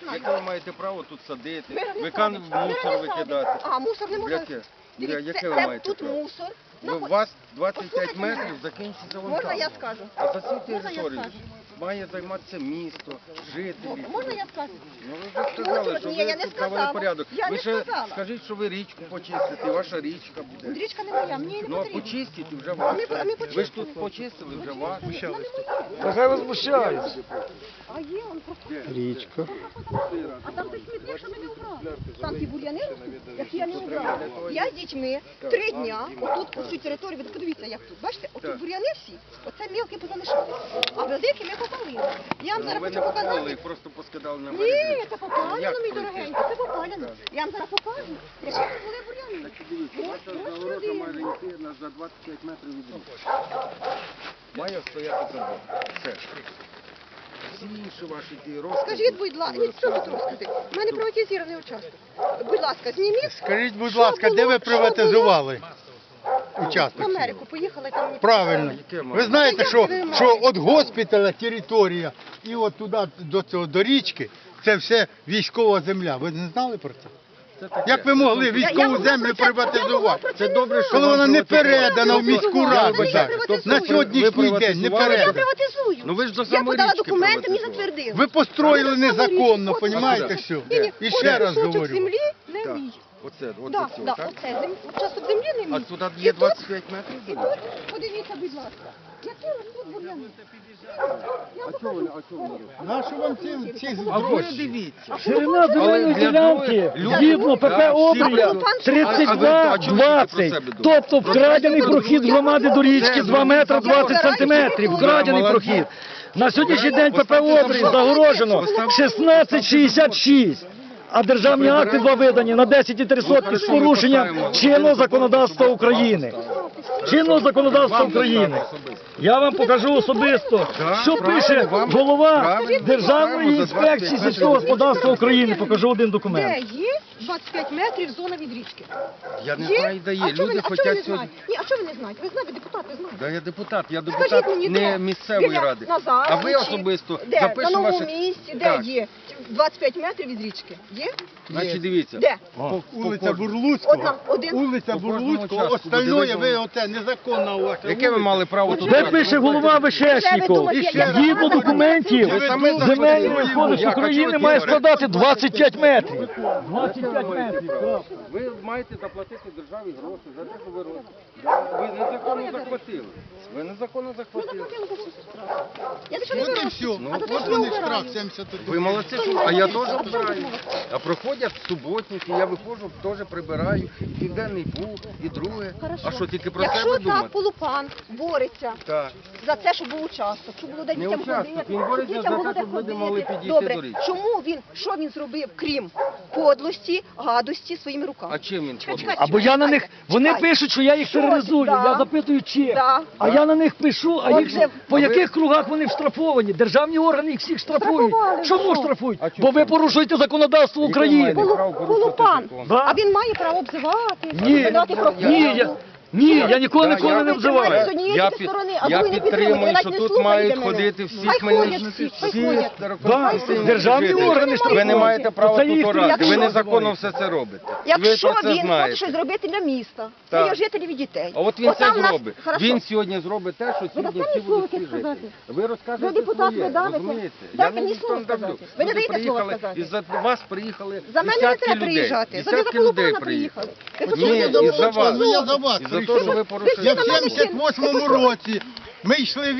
знаю. Яке ви маєте право тут садити, Ми мусор викидати? А, мусор не можна. Яке? Дивіться, Яке ви це маєте тут право? мусор. У вас 25 метрів закінчиться вон Можна там. я скажу? А за цю Можна я територію скажу? має займатися місто, жителі. Можна я скажу? Ну ви вже сказали, що Ні, я ви не тут навели сказала. порядок. Я Ви не ще сказала. скажіть, що ви річку почистите, і ваша річка буде. Річка не моя, мені не Ну а потрібно. почистіть і вже ваша. Ми Ви ж тут почистили, вже ваша. Нехай возмущаються. А є, он просто. Річка. А там десь смітник, що ми не убрали. Там ті бур'яни ростуть, які я не убрала. Я з дітьми 3 дня отут по всю територію, ви подивіться, як тут. Бачите, отут бур'яни всі, оце мілкі позалишалися. А великі ми попалили. Я вам зараз Ви хочу не попали, показати. їх просто поскидали на Ні, березі. це попалено, Як мій пройти? дорогенький, це попалено. Я вам зараз покажу, які це були бур'яни. Дивіться, ваша загорожа має йти за 25 метрів від річки. Має стояти забор. Все. Всі інші ваші ті розкази. Скажіть, будь ласка, ні, що тут розкази? У мене приватизований участок. Будь ласка, зніміть. Скажіть, будь Що ласка, де було? ви Що приватизували В участок? Америку поїхала там. мені Правильно. Яке мало? Ви знаєте, Та як ви що маєте? від госпіталя територія і от туди до річки це все військова земля. Ви не знали про це? Це таке. Як ви могли Я військову могла землю про це- я могла приватизувати? про Це добре, що Коли вам вона не приватизували. передана в міську Я раду. не так. приватизую. На сьогоднішній день не приватизували? Я передана. приватизую. Ну ви ж до Я самої подала річки документи, мені приватизували. затвердили. Ви построїли Але на саму незаконно, річку, розумієте, от, все. Ні-ні, І один ще раз кусочок говорю. землі не Так. мій. Оце, от Да, за цього, да, так? оце участок землі не мій. А туди І є тут- 25 метрів? І тут, подивіться, будь ласка, які ростуть бур'яни. Я покажу. Нащо вам ці А ви гроші? дивіться. Ширина земельної Але для ділянки других- згідно ПП Да, всі Обрія будуть. А ви 32-20. про себе Тобто вкрадений прохід громади до річки 2 метри 20 сантиметрів. Вкрадений прохід. На сьогоднішній день ПП Обрій загорожено 1666. А державні акти два видані на 10,3 з порушенням чинного законодавства України. Чинного законодавства України. Я вам покажу особисто, що пише голова Державної інспекції сільського господарства України. Покажу один Де документ. є 25 метрів зона від річки? Я не знаю, де є. А чого ви Люди не хочуть знаєте? сьогодні. Ні, а чого ви не знаєте? Ви знаєте, депутати знають. Да, я депутат Скажіть мені, не де? місцевої Біля ради. Назару А ви чи особисто де? На запишемо новому ваше... місці, де Так. є 25 метрів від річки? Є? Значить, дивіться. Де? Вулиця От Бурлуцького. нам один. Вулиця По кожному Бурлуцького, участку остальное буде ви оте незаконна у вас. Яке ви мали право тут? Де брати? пише голова Вишешніков? І ще раз. Згідно документів, Ви самі земельний захотіли. кодекс Як? А України чого має ті складати 25 метрів. 25 метрів. Ви маєте заплатити державі гроші за те, що ви робите. Ви незаконно захватили. Ви незаконно захватили. Я за що не От і беру? все. А за те, От що я вони вбираю. штраф 71. Ви молодці, що- а я теж вбираю. А проходять суботники, я виходжу, теж прибираю. І Південний Буг, і друге. Хорошо. А що, тільки про Якщо себе так думати? Полупан бореться Так. за це, щоб був участок, щоб було де Не дітям участок, ходити, він бореться дітям за було те, де щоб люди ходити. могли підійти Добре, до річки. чому він, що він зробив, крім подлості, гадості своїми руками? А чим він Чекайте, ходить? Або я на них, вони Чекайте. пишуть, що я їх Що? тероризую. Да. Я запитую, чим. Да. А я на них пишу, а їх Отже, по яких кругах вони штрафовані? Державні органи їх всіх штрафують. Штрафували, Чому ну. штрафують? А чому? Бо ви порушуєте законодавство України. Яке має право порушувати Полупан, закон? Да. а він має право обзивати, Ні, видати ні, я ніколи Да, ніколи я- не Ви обзиваю. тримаєте з однієї Я тільки під- сторони, а я другий не підтримую, підтримує. Ви що навіть не тут слухаєте мають мене. ходити всі Хай хмельничні, ходять всі, всі ходять. Державні жителі. органи Ви не штрафують. маєте права Це тут їх орати. Ви якщо- незаконно все це робите. І ви Якщо про це він хоче знаєте. щось зробити для міста, Так. для його жителів і дітей. А от він Отам це нас- зробить. Хорошо. Він сьогодні зробить те, що сьогодні дасте всі мені слово будуть всі якесь жити. сказати? Ви розкажете Ви депутат, своє, ви давите. розумієте? Дайте Я мені ніхто слово не давлю. сказати. Ви не Люди даєте слово приїхали, сказати. і за вас приїхали За мене не десятки треба людей. приїжджати. За Десятки Полупана людей приїхали. приїхали. Ви Ні, хотіли і за вас. Ну я за вас І за те, прийшов. що ви Ви порушуєте Я в на мене 78-му році, ми йшли